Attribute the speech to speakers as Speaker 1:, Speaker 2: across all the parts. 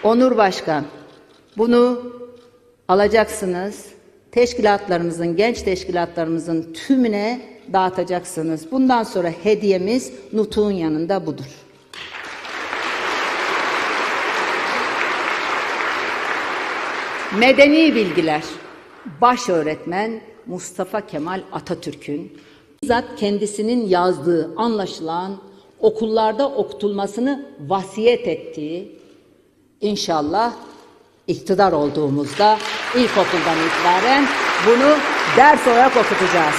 Speaker 1: Onur Başkan, bunu alacaksınız. Teşkilatlarımızın, genç teşkilatlarımızın tümüne dağıtacaksınız. Bundan sonra hediyemiz nutuğun yanında budur. Medeni bilgiler. Baş öğretmen Mustafa Kemal Atatürk'ün bizzat kendisinin yazdığı, anlaşılan okullarda okutulmasını vasiyet ettiği, İnşallah iktidar olduğumuzda ilkokuldan itibaren bunu ders olarak okutacağız.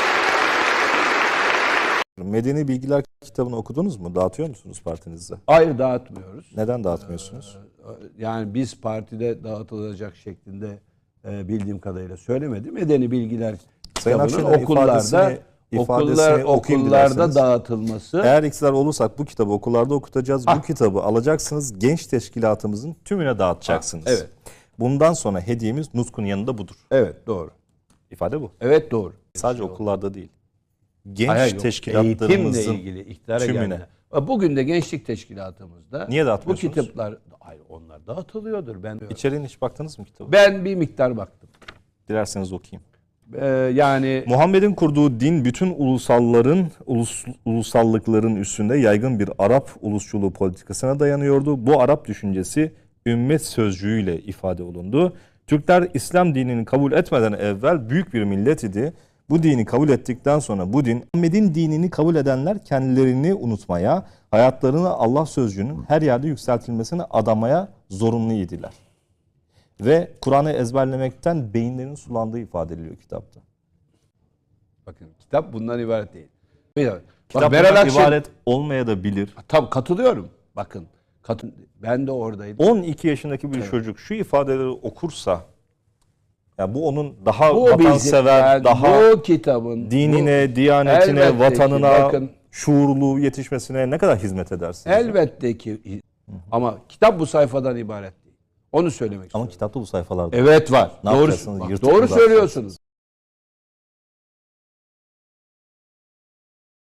Speaker 2: Medeni Bilgiler kitabını okudunuz mu? Dağıtıyor musunuz partinizde?
Speaker 3: Hayır, dağıtmıyoruz.
Speaker 2: Neden dağıtmıyorsunuz?
Speaker 3: Yani biz partide dağıtılacak şeklinde bildiğim kadarıyla söylemedim. Medeni Bilgiler
Speaker 2: Sayın
Speaker 3: kitabının
Speaker 2: Akşener ifadesini okuyayım
Speaker 3: okullarda
Speaker 2: dilerseniz.
Speaker 3: dağıtılması.
Speaker 2: Eğer iktidar olursak bu kitabı okullarda okutacağız. Bu kitabı alacaksınız. Genç teşkilatımızın tümüne dağıtacaksınız.
Speaker 3: Evet.
Speaker 2: Bundan sonra hediyemiz Nutk'un yanında budur.
Speaker 3: Evet, doğru.
Speaker 2: İfade bu.
Speaker 3: Evet, doğru.
Speaker 2: Sadece okullarda değil. Genç
Speaker 3: Hayır, yok.
Speaker 2: teşkilatlarımızın
Speaker 3: Eğitimle ilgili iktidara
Speaker 2: tümüne.
Speaker 3: geldi. Bugün de gençlik teşkilatımızda
Speaker 2: Niye
Speaker 3: bu
Speaker 2: dağıtmıyorsunuz?
Speaker 3: kitaplar, hayır, onlar dağıtılıyordur.
Speaker 2: İçeriğine hiç baktınız mı kitabı?
Speaker 3: Ben bir miktar baktım.
Speaker 2: Dilerseniz okuyayım.
Speaker 3: Yani
Speaker 2: Muhammed'in kurduğu din bütün ulusallıkların üstünde yaygın bir Arap ulusçuluğu politikasına dayanıyordu. Bu Arap düşüncesi ümmet sözcüğüyle ifade olundu. Türkler İslam dinini kabul etmeden evvel büyük bir millet idi. Bu dini kabul ettikten sonra bu din, Muhammed'in dinini kabul edenler kendilerini unutmaya, hayatlarını Allah sözcüğünün her yerde yükseltilmesine adamaya zorunlu idiler. Ve Kur'an'ı ezberlemekten beyinlerinin sulandığı ifade ediliyor kitapta.
Speaker 3: bakın, kitap bundan ibaret değil.
Speaker 2: Kitap
Speaker 3: Meral
Speaker 2: bundan
Speaker 3: Akşener,
Speaker 2: ibaret olmaya da bilir.
Speaker 3: tabii katılıyorum. Bakın, ben de oradaydım.
Speaker 2: 12 yaşındaki bir çocuk şu ifadeleri okursa, ya bu onun daha
Speaker 3: Bu
Speaker 2: vatansever,
Speaker 3: yani
Speaker 2: daha
Speaker 3: bu kitabın
Speaker 2: dinine, diyanetine,
Speaker 3: elbette ki,
Speaker 2: vatanına,
Speaker 3: bakın,
Speaker 2: şuurlu yetişmesine ne kadar hizmet edersiniz?
Speaker 3: elbette ki, ama kitap bu sayfadan ibaret değil. Onu söylemek
Speaker 2: Ama
Speaker 3: istiyorum.
Speaker 2: kitapta bu sayfalarda.
Speaker 3: Evet, var.
Speaker 2: Ne
Speaker 3: Doğru,
Speaker 2: yapacaksınız?
Speaker 3: bak,
Speaker 2: Yırtıp
Speaker 3: doğru
Speaker 2: mı
Speaker 3: söylüyorsunuz.